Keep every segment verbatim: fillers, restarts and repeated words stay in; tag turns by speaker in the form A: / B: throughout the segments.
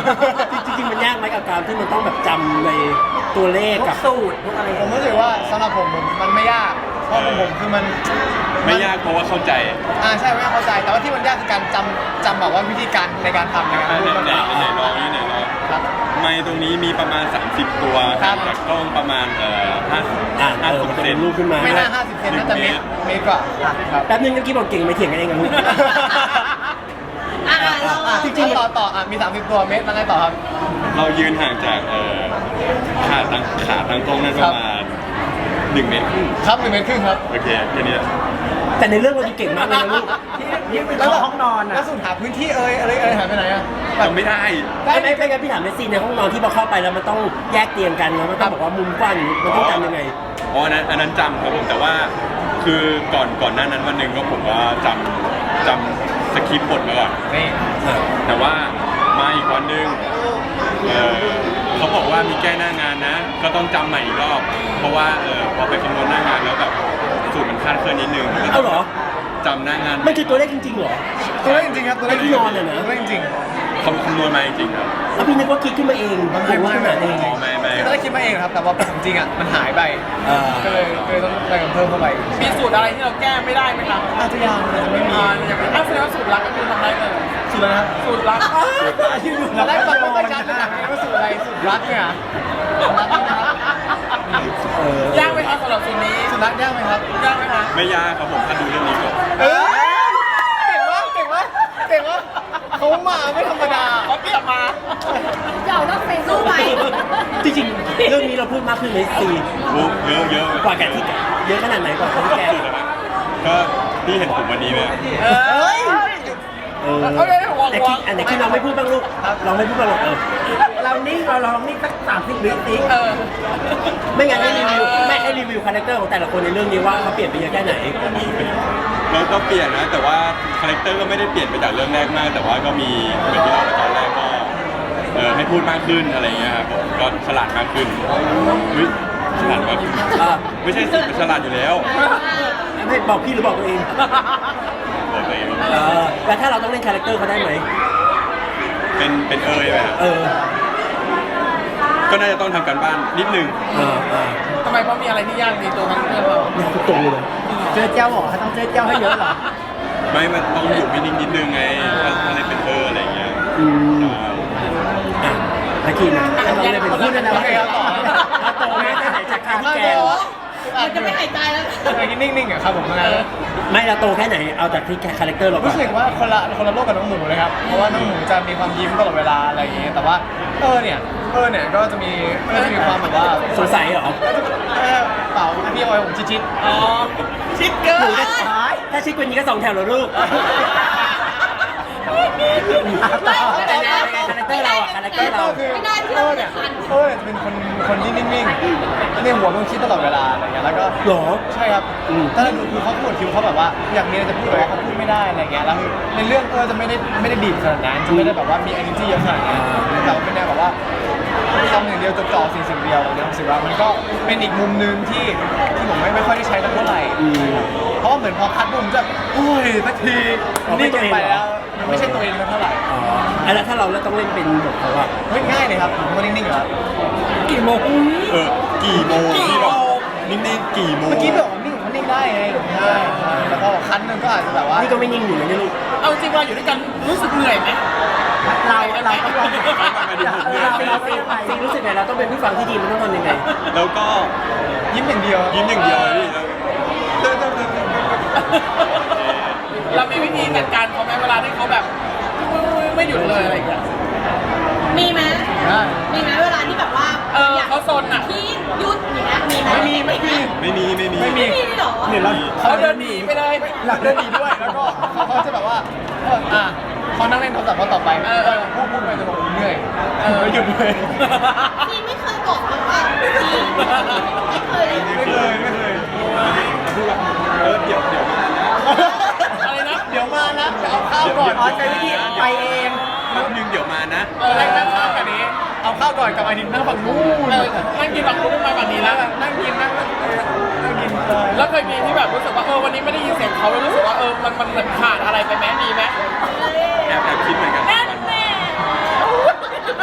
A: จริงๆมันยากไหมกับการที่มันต้องแบบจำในตัวเลขกับสูตรพวกอะไร
B: ผมรู้สึกว่าสำหรับผมมันไม่ยากเพราะของผมคือมัน
C: ไม่ยากเพราะว่าเข้าใจ
B: อ่าใช่ไม่เข้าใจแต่ว่าที่มันยากคือการจำจำแบบว่าวิธีการในการทำในการพูด
C: ไหน
B: มัน
C: ไหนลองนี่ไหนลอง
B: ครับ
C: ไม้ตรงนี้มีประมาณสามสิบตัว
B: ครับ
C: จากกล้องประมาณเอ่อห้า
A: อ่า
C: ห้า
A: เออ
C: สิบ
A: มันจะ
C: เซ
A: เป็น
C: น
A: รูปขึ้นมา
B: ไม่น่าห้าสิบเซนน่าจะเมตรเมตรกว่าครับ
A: แป๊บนึงเมื่อกี้บอกเก่งไม่เถียงกันเองกับลูก
D: อ่ะเรา
B: อ่ะจริงๆต่อต่ออ่ะมีสามสิบตัวเมตรแล้วไงต่อครับ
C: เรายืนห่างจากเอ่อขาตั้งขาตั้งกล้องนั่นประมาณหนึ่งเมตรครึ่ง
B: ครับหนึ่งเมตรครึ่งครับ
C: โอเคแค่นี้
A: แต่ในเรื่องเราดูเก่งมากเลยนะลูก
B: นี่เป็นห้องนอนอ่ะแล้วสุดหาพื้นที่เอ่ยอะไรเอ่ยหายไปไหนอ่ะ
C: จำไม่ได้
A: ไม่ไม่ไม่งั้นพี่ถามในซีนในห้องนอนที่พอเข้าไปแล้วมันต้องแยกเตียงกันแล้วมันต้องบอกว่ามุมกว้างมันต้องจำยังไง
C: อ๋ออันนั้นอันนั้นจำครับผมแต่ว่าคือก่อนก่อนหน้านั้นวันหนึ่งก็ผมว่าจำจำสคริปต์บทมาก่อน
B: นี่
C: แต่ว่ามาอีกวันหนึ่งเอ่อเขาบอกว่ามีแก้หน้างานนะ ก็ต้องจำใหม่อีกรอบ เพราะว่าเออพอไปคำนวณหน้างานแล้วแบบสูตรมันคลาดเคลื่อนนิดนึง
A: เอาเหรอ
C: จำหน้างาน
A: มันคือตัวเลขจริงๆเหรอ
B: ตัวเลขจริงๆครับตัวเลข
A: ที่นอนเนี่ยนะ
B: ตัวเลขจริง
C: คำคำนวณมาจริงๆครับ
A: แล้วพี่นึกว่าคิดขึ้นมาเองบางคนว่าขนาดเอง
C: อ๋อไม่ไม่
B: ๆตัวเลขคิดมาเองครับแต่ว่าจริงๆอ่ะมันหายไป
A: อ่า
B: ก็เลยก็เลยต้องไปเพิ่มเข้าไป
E: มีสูตรอะไรที่เราแก้ไม่ได้ไหมครับ
B: อาจจะยังอาจจะไม่มี
E: อ่าอย่างเป็นอ้าวแสดงว่าสูตรลับก็คือทำได้เลย
B: สุดแล้วนะครับ
E: สูตรลับ
B: เราได้ฟังไม่ค่อยชัดเลยนะว่าสูตรอะไรสูตรรักเนี่ยรักนะครับ
A: เออย
E: ากไหมครับสำหรับสูตรนี้
B: สูตรรักยากไหมครับ
E: ยากไหมคะ
C: ไม่ยากครับผมถ้าดูเรื่องนี้ก่อน
B: เออเก่งวะเก่งวะเก่งวะเขามาไม่ธรรมดา
E: เขาเตรียมมา
D: เดี๋ยวต้องไปสู้ไป
A: จริงๆเรื่องนี้เราพูดมากขึ้นในซีน
C: โอ้เยอะเยอะ
A: กว่าแกที่เยอะขนาดไหนกว่าคนที่แก
C: ก็พี่เห็นผมวันนี้ไหม
E: เออ
A: เออ
E: เอาเลยห่วง
A: แต่
E: ห่ว
A: คิ
E: ง
A: ดอันไหนคิดเราไม่พูดบ้างลูกเราไม่พูดบ้างหรอกเออเรานิ่งเราลองนิ่งสักสามสิบวิสิ
E: เออ
A: ไม่งั้นให้รีวิวไม่ให้รีวิวคาแรคเตอร์ของแต่ละคนในเรื่องนี้ว่าเขาเปลี่ยนไปเยอะแค่ไหน
C: เราก็เปลี่ยนนะ แต่ว่าคาแรคเตอร์ก็ไม่ได้เปลี่ยนไปจากเรื่องแรกมาก แต่ว่าก็มีเหมือนที่เราไปตอนแรกก็เออให้พูดมากขึ้นอะไรเงี้ยครับผมก็ฉลาดมากขึ้นเฮ้ยฉลาดมากขึ้น
A: อ่า
C: ไม่ใช่สิเป็นฉลาดอยู่แล้ว
A: ไม่บอกพี่หรือบอกตัวเอง
C: บอกตัวเอง
A: เออแล้วถ้าเราต้องเล่นคาแรคเตอร์เขาได้ไหม
C: เป็นเป็นเอยไหมครับ
A: เออ
C: ก็น่าจะต้องทำการบ้านนิดนึง
A: เออเออ
E: ทำไมเพราะมีอะไรที่ยากในตัวคาแรคเตอร์เรา
A: เนี่ยทุกตรงเลย
B: เจอเจ้าหรอต้องเจอเจ้าให้เยอะหรอ
C: ไม่มันต้องอยู่มินิดนิดนึงไงถ้าอะไรเป็นเอออะไรเงี้ย
A: อืม
C: ใช่
A: อ่ะอาคีนะเราเลยเป็นพูดกันนะ
B: โอ
A: ว่า
B: เคครับต่อ
A: เราโตไหมได้หายจากการที่แก
D: มันจะไม่หายใจแล้ว
B: เมื่อกี้นิ่งๆอ่ะครับผมนะ
A: ไม่เราโตแค่ไหนเอาจากที่คาแรคเตอร์เราก่อ
B: รู้
A: น
B: สึกว่าคนละคนละโลกกับน้องหมูเลยครับ เพราะว่าน้องหมูจะมีความยิ้มตลอดเวลาอะไรอย่างเงี้ยแต่ว่าเออเนี่ยเออเนี่ยก็จะมีก็จะมีความแบบว่า
A: สงสัยเหรอ
B: เออเปล่าพี่ออยผมชิด
E: อ๋อชิดเกิ
A: หนู
E: น
A: ก็ถ้าชิคกว่านี้ก็สองแถวแล้วลูก แต่แนวคาแรคเตอร์เราอะคาแรคเตอร์
B: ๆ
A: เรา
B: ก็คือเออเนี่ยเออเนี่ยจะเป็นคนคนที่นิ่งๆในหัวมันคิดตลอดเวลาอะไรอย่างเงี้ยแล้วก็
A: หรอ
B: ใช่ครับ
A: อืม
B: ถ้าเราดูคือเขาพูดคิวเขาแบบว่าอยากมีอะไรจะพูดแต่ว่าเขาพูดไม่ได้อะไรเงี้ยแล้วคือในเรื่องเออจะไม่ได้ไม่ได้ดีบขนาดนั้นจะไม่ได้แบบว่ามี energy เยอะขนาดนั้นแต่ว่าเป็นแนวแบบว่าทำอย่างเดียวจดจ่อสิ่งสิ่งเดียวเนี่ยผมรู้สึกว่ามันก็เป็นอีกมุมหนึงที่ที่ผมไม่ไม่ค่อยได้ใช้เท่าไหร่
A: อืม
B: เพราะว่าเหมือนพอคัดบุมจะโอ้ยสักที
A: อ๋อไม่
B: นี่
A: ตั
B: เกิ
A: วน เอง
B: ไป
A: เหรอ
B: แล้วมันไม่ใช่ตัวเองแล้วเท่าไหร่
A: อ๋ออะแล้วถ้าเราแล้วต้องเล่นเป็นบทเขาอะ
B: เฮ้ยง่ายเลยครับผมก็นิ่งๆอยู่แล้ว
A: กี่โมง
C: เออกี่โมงพี่บอกนิ่งๆกี่โมง
B: เมื่อกี้บอกว่านิ่งผมก็นิ่งได้ไงใช่ใช่แล้วก็คันหนึงก็อาจจะแบบว่า
A: นี่ก็ไม่นิ่งอยู่นะเนี่ยลูก
E: เอาจริงเวลาอยู่ด้วยกันรู้สึกเหนื่อยไหม
A: เราเราต้องลอง
C: มาดูผมเนี่ย
A: เราซีซีรู้สึกไงเราต้องเป็นผู้ฟังที่ดีมันต้องทำยังไง
C: แล้วก็
B: ยิ้มอย่างเดียว
C: ยิ้มอย่างเดียวเลยพี่แล้ว
E: เรามีวิธีจัดการเขาไหมเวลาที่เขาแบบไม่หยุดเลยอะไรอย่างเงี้ย
D: มีไหม
B: ได้
D: มีไหมเวลาที่แบบว่า
E: เออเขาซนอ่ะ
D: ที่หยุดอย่างเงี้ยมีไหม
B: ไม่มีไม่มี
C: ไม่มีไม่มี
B: ไม่มี
D: ไม่มีหรอ
B: เนี่ยเรา
E: เขาเดินหนีไปเลย
B: หลักเดินหนีด้วยแล้วก็เขาเขาจะแบบว่าเอออ่ะเขานั่งเล่นโทรศัพท์เขาต่อไป
E: เออเออ
B: พูดพูดไปจะบอกเหนื่อยเออหยุดเลย
D: พี่ไม่เคยบอกเลยว่าพี่ไม่เคย
B: ไม่เคยไม่เคย
C: พูดว่าเออเดี๋ยวเดี๋ยวมานะ
E: อะไรนะ
B: เดี๋ยวมานะเดี๋ยวเอาข้าวก่อน
A: อ๋อใช้วิธีไปเอง
C: แป๊บนึงเดี๋ยวมานะ
E: เออให้นั่งข้างกันนี้
B: เอาข้าวก่อนกับไอ้ดินนั่งฝั่งนู้น
E: เออนั่งกินฝั่งนู้นมาฝั่งนี้แล้ว
B: นั่งกินนั่งเออนั่งกินเลย
E: แล้วเคยมีที่แบบรู้สึกว่าเออวันนี้ไม่ได้ยินเสียงเขาแล้วรู้สึกว่าเออมันมันเหมือนขาดอะไรไปไหมมีไหม
C: แอบแอบคิดเหมือนกัน
E: แน่นแน่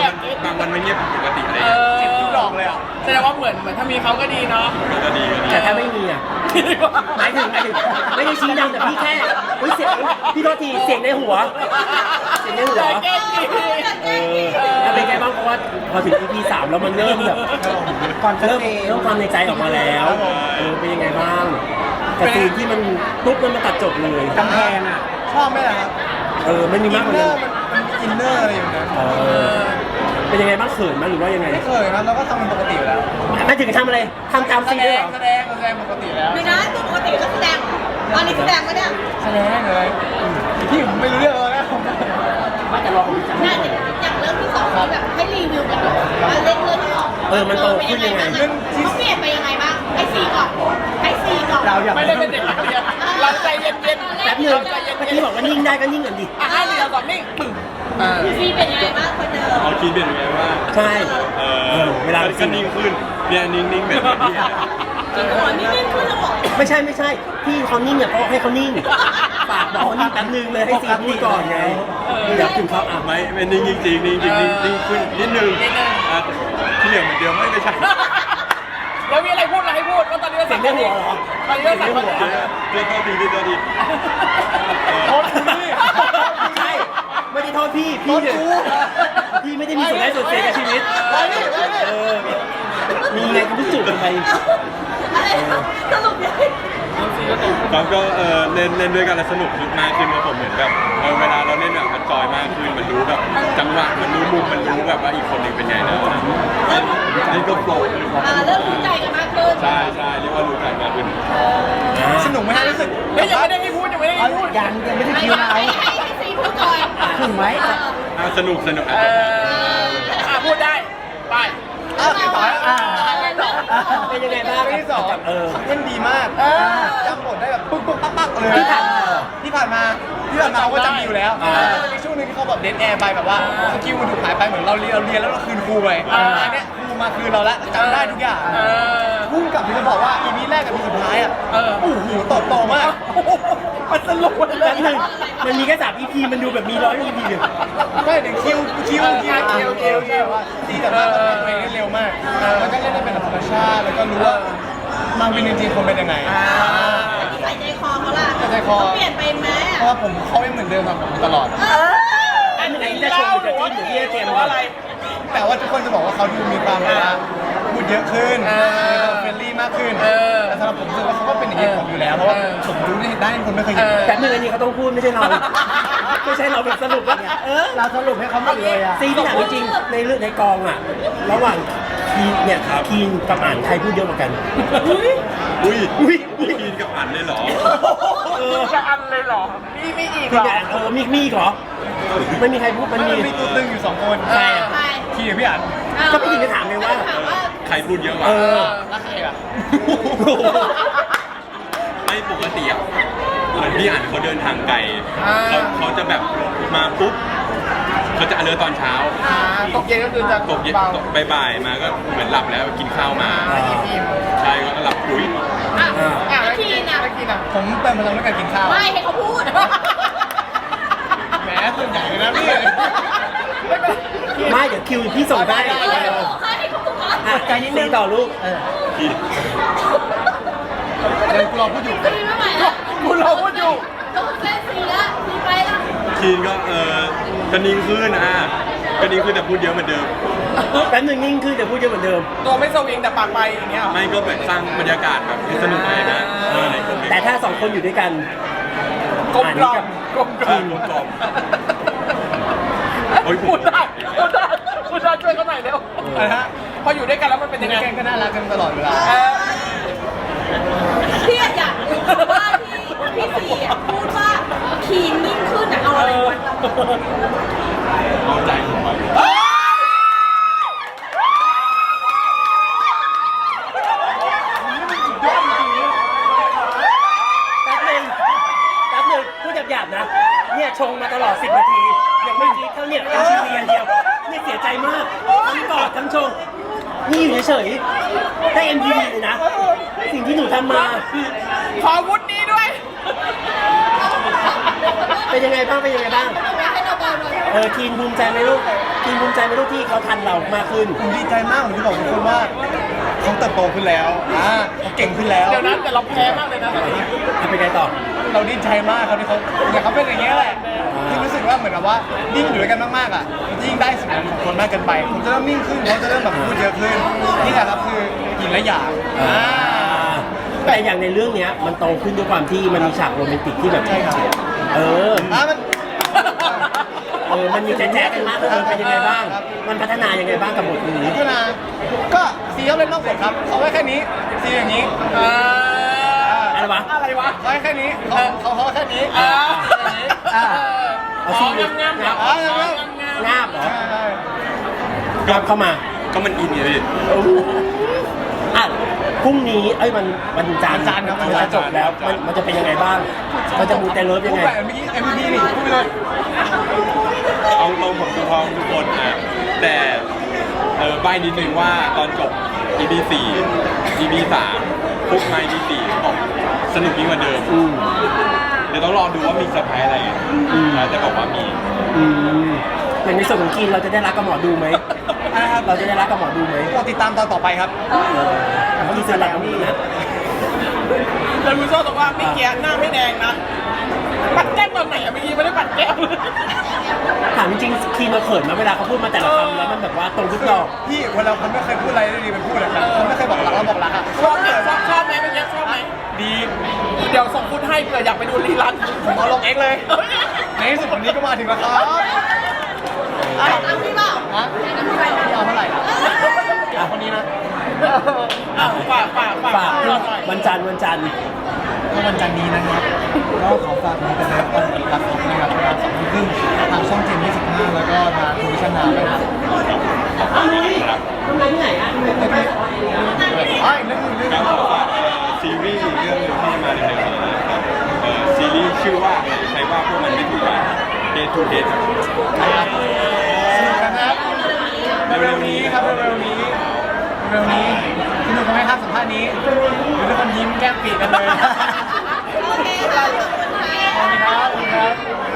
C: บางวันไม่เงียบปกติอะไร
E: เอ
C: เงี้ย
E: อ
B: ทุกดอกเลยอ่ะ
E: แสดงว่าเหมือนเหมือนถ้ามีเขาก็ดีเนาะ
C: ก็ดีก็ดี
A: แต่ถ้าไม่มีอ่ะหมายถึงหมายถึงไม่ได้ชี้นำแต่พี่แค่เฮ้ยเสียงพี่โทษทีเสียงในหัว เสียงในหัว
E: แกล้งดี
A: เออแล้วเป็นไงบ้างเพราะว่าพอถึง อี พี สามแล้วมันเริ่มแบบเริ่มเริ่มความในใจออกมาแล้วเออเป็นยังไงบ้างกับซีนที่มันปุ๊บมันมาตัดจบเลยกำแพงอ่ะ
B: ชอบไหมล่ะครับ
A: เออไม่มี
B: อิ
A: มาก
B: น
A: กว่า
B: เนอ
A: นั้น
B: ร์มันมันมีอินเนอร์อะไรอยู่นะ
A: เออเป็นยังไงบ้างเขินไหมหรือว่ายังไง
B: ไม่เคยครับเราก็ทำเป็นปกติอยู่แล้ว
A: ไม่ถึงทำอะไรทำตาม
B: แส
A: ซีน
B: ด
A: ด้วย
B: ง
A: เหรอ
B: แสดงแสดงปกติแล้ว
D: ไม่นะตัวปกติก็แสดงอันนี้แสดงไหมเนี่ย
B: แสดงเลยพี่ผมไม่รู้เรื่องเลยนะ
A: ไม่แต่รอผมจำ
D: น่าจะอย่างเรื่องที่สองที่แบบให้รีวิวกันหน่อยว่าเรื่องเรื่องที่สอง
A: เออมันโตขึ้นยังไง
D: เขาเปลี่ยนไปยังไงบ้างให้ซีก่อนให้ซีก่อน
A: เราอยาก
E: ไม่ได้เป็นเด็กนักเรียนเราใจเย็นๆ
A: แป๊บนึงเมื่อกี้บอกว่านิ่งได้ก็นิ่งก่อนดิ
E: อ่ะห้าเดียวก่อนนิ่งปึ้งอ่า
D: ซีเป็นยังไงบ้างคนเดิม
C: เอาคิดเป็นไงว่า
A: ใช่
C: เอ
A: เอ
C: อ
A: อเวลา
C: ก็นิ่งขึ้นเนี่ยนิ่งๆแบบนี้
D: จริงเหรอนี่นิ่งขึ้นแล้วเหรอ
A: ไม่ใช่ไม่ใช่ที่เขานิ่งเนี่ยเพราะให้เขานิ่งฝากบอกเขานิ่งแป๊บนึงเลยให้ซีพูดก่อนไงเดี๋ยวถึงเขาอ่ะ
C: ไม่ไม่นิ่งจริงๆนิ่งจริงๆนิ่งนิ่งขึ้นนิดนึงอ่ะที่เหลือเหมือนเดิมไม่ไม่ใช่
E: แล้วมีอะไรพูดอะไรให้พูดว่าตอนนี้เรา
A: เสียงในหัวเหรอ
E: ตอนนี้เราสั่งมา
C: เรื่องตัวดีเรื่องตัวดี
B: โทษพี่
A: ใช่ไม่ได้โทษพี่พี่เนี่ยพี่ไม่ได้มีส่วนได้ส่วนเสียกับชีวิต
B: ไปดิไปดิ
A: เออมีไงก็พิสูจน์กันไป
D: อะไรนะสรุปยังไง
C: ครับก็เออเล่นเล่นด้วยกันแล้วสนุกมากขึ้นครับผมเหมือนแบบเออเวลาเราเล่นแบบมันจอยมากขึ้นมันรู้แบบจังหวะมันรู้มุมมันรู้แบบว่าอีกคนหนึ่งเป็นไงนะนี่ก็โปร
D: อ่าเริ่มรู้ใจกันมากขึ้น
C: ใช่ใช่เรียกว่ารู้กันมากขึ้น
B: สนุกไหมฮะรู้สึก
E: เฮ้ยยังไม่ได้ให้พูดยังไม่ได้ให้พูด
A: ยังยังไม่ได้
D: ให้
A: คิวเรา
D: ให้ให้ซีพูดก่อน
A: ถึงไหม
C: อ่ะสนุกสนุก
E: เอ
C: อ่ะ
E: ออ่ะพูดได้ไป
B: อ้าวพี่ป๋า
A: อ่าเป็นยังไงบ้าง
B: เรื่องที่สอง
A: เออ
B: เล่นดีมากจำบทได้แบบปุ๊บปุ๊บปั๊บปั๊บเลย
A: ที่ผ่านมา
B: ที่ผ่านมาที่ผ่านมาเขาก็จำอยู่แล้ว
A: อ่า
B: แล้วมีช่วงหนึงที่เขาแบบเดนแอร์ไปแบบว่าสกิลมันถูกหายไปเหมือนเราเรียนเราเรียนแล้วเราคืนครูไปอันเนี้ยครูมาคืนเราแล้วจำได้ทุกอย่าง
E: เออ
B: พุ่งกลับที่จะบอกว่าอีพีแรกกับอีพีสุดท้ายอ่ะ
E: เออ
B: โอ้โหโตโตมาก
E: มันสรุปมันเล
A: แป๊
E: ย
A: บนึงมันมีแค่สาม อี พี มันดูแบบมีร้อย อี พี เลย
B: ไม่เดี๋ยวคิวคิวคิวคิวคิวคิวว่าดีแต่ว่าตัวเองเล่นเร็วมากแล้วก็เล่นได้เป็นธรรมชาติแล้วก็รู้ว่ามาวินจริงๆคนเป็นยังไง
D: ใส่ใจคอเขาล่ะ
B: ใส่ใจคอ
D: เปลี่ยนไปไหม
B: เพราะว่าผมเขาไม่เหมือนเดิมกับผมตลอด
D: เออ
A: แป๊บนึงไอ้จะชมหรือจะจิ้นหรือที่จะเจมส์
E: อะไร
B: แต่ว่าทุกคนจะบอกว่าเขาดูมีความแบบว่าพูดเยอะขึ้น
E: เออ
B: เฟรนลี่มากขึ้น
E: เออ
B: แต่สำหรับผมรู้สึกว่าเขาก็เป็นอย่างนี้กับผมอยู่แล้วเพราะว่าผมรู้ได้ได้คนไม่เคยเห็น
E: เออ
A: แป๊บนึงอันนี้เขาต้องพูดไม่ใช่เรา ไม่ใช่เราเป็นสรุปว่าเออเราสรุปให้เขาหมดเลยอะซีที่ถามจริงๆในเรื่องในกองอะระหว่างคีนเนี่ยคีนกับอ่านใครพูดเยอะกว่ากัน
C: อุ้ย
A: อุ้ยอุ้ย
C: กินกับอันเลยเหรอ
A: เออ
E: จะอันเลยเหรอมีมีอีก
A: คือ
E: เหรอ
A: เนี่ยเออมีมีอีกเหรอไม่มีใครพูดมัน
B: มัน
A: มี
B: มีตัวตึงอยู่สองคน
A: ใครอะ
D: ใคร
B: พี่กับพี่อัน
A: ก็พี่ถึงจะถามเลยว่า
D: ถามว่า
C: ใครพูดเยอะกว่า
A: เออ
B: แล้วใครล่ะ
C: ไม่ปกติอ่ะเหมือนพี่อ่านเขาเดินทางไกลเขาเขาจะแบบมาปุ๊บเขาจะอเลิร์ตอนเช้า
E: อ่าตกเย็นก็คือจะ
C: ตกเย็น
E: เบา
C: ตกบ่ายๆมาก็เหมือนหลับแล้วกินข้าวมา
E: อ่าอิ่มอิ่ม
C: ใช่ก็หลับปุ๋ย
D: อ่ะ
A: อ่า
E: อ่ะ
D: แล้
E: แล้ว ว
D: ที
E: กิน
D: น่ะ
E: แล้วกินอ่ะ
B: ผมเติมพลังด้วยการกินข้าว
D: ไม่ให้เขาพูด
B: แหมส่วนใหญ่เลยนะพี่
A: ไม่เดี๋ยวคิวพี่ส่งได้
D: เออให้เขาพูดก่อน
A: อ่ะใจนิดนึงต่อลูกเออ
C: ที่
B: เดี๋ยวกูรอพูดอยู่
D: ซีไม่ไหวแล้ว
E: คุณเราพูดอยู่
D: ต้องเส้นซีละซีไปละ
C: ทีนก็เออก็นิ่งขึ้นอ่ะก็นิ่งขึ้นแต่พูดเยอะเหมือนเดิม
A: แป๊บนึงนิ่งขึ้นแต่พูดเยอะเหมือนเดิม
E: ตัวไม่สวิงแต่ปากไปอย่างเงี้ยเหรอ
C: ไม่ก็แบบสร้างบรรยากาศแบบให้สนุกเลยนะเออในกลุ่มนี้
A: แต่ถ้าสองคนอยู่ด้วยกัน
E: กลมกล่อมกลมกล่อม
C: กลมกล่อม โอ้ย
E: พูดได้พูดได้พูดได้ช่วยเขาหน่อยเร็ว
B: อะไรฮะ
E: พออยู่ด้วยกันแล้วมันเป็นยังไง
B: แกงก็น่ารักกันตลอดเวลา
E: เออ
D: พี่อยากรู้ว่าที่พี่ซีอ่ะพูดว่าคีนนิ่งขึ้นอ่ะเอาอะไรวัดเรา
C: เอาใจผมไป
A: แป๊บนึงแป๊บนึงพูดหยาบๆนะ เนี่ยชงมาตลอดสิบนาที ยังไม่คิดเท่าเนี่ยเอ็มทีพีอันเดียวเนี่ยเสียใจมาก ทั้งกอดทั้งชง นี่อยู่เฉยๆได้ เอ็ม ที พี เลยนะ สิ่งที่หนูทำมา
E: ขอวุฒินี้ด้วย
A: เป็นยังไงบ้าง เป็นยังไงบ้าง
D: ไม่ให้เราเบา
A: เออทีนภูมิใจไหมลูกทีนภูมิใจไหมลูกที่เขาทันเรามากขึ้น
B: ผมดีใจมากผมจะบอกทุกคนว่าเขาเติบโตขึ้นแล้วอ่าเขาเก่งขึ้นแล้ว
E: เดี๋ยวนั้นแต่เราแพ้มากเลยนะตอนนี้
A: เอาไปไงต่อ
B: เราดีใจมากครับที่เขาเนี่ยเขาเป็นอย่างเงี้ยแหละที่รู้สึกว่าเหมือนกับว่ายิ่งอยู่ด้วยกันมากๆอ่ะยิ่งได้สิ่งนั้นของคนมากเกินไปผมจะเริ่มนิ่งขึ้นเขาจะเริ่มแบบพูดเยอะขึ้นนี่แหละครับคือหญิงและหยางอ่า
A: แต่อย่างในเรื่องเนี้ยมันโตขึ้นด้วยความที่มันมีฉากโรแมนติกที่แบบ
B: ใช่ครับ
A: เออ
B: อ่ามัน
A: เออมันมีแจ๊กๆกันมากขึ้นเป็นยังไงบ้าง มันพัฒนายังไงบ้างกับบทนี้
B: พัฒนาก็ซีเขาเล่นนอกบทครับเขาไว้แค่นี้ซีอย่างนี้
E: อ่า
A: อะไรวะ
E: อะไรวะ
B: เขาไว้แค่นี้เขาเขาเขาไว้แค่นี้
E: อ่า
B: อย่างนี้
A: อ่า
E: อ๋องามงามๆ
A: งับ
E: อ๋องามงาม
A: งาบเหรอ
B: ใช่ใช่
A: งับเข้ามา
C: ก็มันอินไงพี่
A: อ่ะพรุ่งนี้เอ้ยมันวันจันทร์
B: วันจันทร์ครับ
A: มันจะจบแล้วมันมันจะเป็นยังไงบ้าง มันจะมูเตเลิฟยัง
B: พูด
A: ไง
B: แบบเมื่อกี้ เอ็ม วี พี นี่พูดไปเลย
C: เอาตรงผมดูพร้อมทุกคนอ่ะแต่เออใบนิดนึงว่าตอนจบ อี พี สี่ อี พี สามปุ๊บมา อี พี สี่บอกสนุกยิ่งกว่าเดิม
A: อืม
C: เดี๋ยวต้องรอดูว่ามีเซอร์ไพรส์อะไรนะแต่บอกว่ามี
A: อืมอย่างในส่วนของกินเราจะได้รักกับหมอดูไหม
B: นะครับ
A: เราจะได้รักกับหมอดูไหม
B: โปรดติดตามตอนต่อไปครับ
A: กินเสร็จแล้วนี่นะ
E: แล้วรู้ชอบตรงว่าไม่เกียหน้าไม่แดงนะ ปัดแก้มตอนไหนอะเมื่อกี้ไม่ได้ปัดแก้มเลย
A: ถามจริงๆคีนเราเขินไหมาเวลาเขาพูดมาแต่ละคำแล้วมันแบบว่าตรงทุกดอก
B: พี่เวลาคนไม่เคยพูดอะไรได้ดีมันพูดอะครับคนไม่เคยบอกรักแล้วบอกรักอ่ะ
E: ชอบไหมชอบชอบไหมเมื่อกี้ชอบไหม
B: ดี
E: เดี๋ยวส่งฟุตให้เผื่ออยากไปดูรีลัน
B: ผมเอาลงเองเลย ในที่สุดวันนี้ก็มาถึงแล้วครับ
D: อ่ะน้ำพี่เปล่า
B: ฮะพี่เอาเท่าไหร่ล่ะอ่ะคนนี้นะ
E: อ่ะฝากฝากฝาก
A: ฝาก
E: เราหน่อย
A: วันจันทร์วันจันทร์
B: ก็วันจันทร์นี้นะครับก็ขอฝากมีเป็นเรื่องตอนรักของนะครับเวลาสองทุ่มครึ่งทางช่องเจ็ดยี่สิบห้าแล้วก็ทางทูวิชั่นนาวนะครับ
A: ทำไมที่ไหนอ่ะ
B: อ๋ออีกเรื่องหนึงเรื่องห
C: ก็
B: นึง
C: ขอฝากเอ่อซีรีส์เรื่องหนึงที่มาในเร็วๆนี้นะครับเอ่อซีรีส์ชื่อว่าใครว่าพวกมันไม่ถูกกัน Day to Day
B: ครับสนุกกันนะครับเร็วๆนี้ครับเร็วๆนี้เร็วๆนี้สนุกกันไหมครับสัมภาษณ์นี้หรือทุกคนยิ้มแก้มปีกันเลย
D: โอเคค่ะขอบคุณค่ะ
B: ขอบคุณครับขอบคุณครับ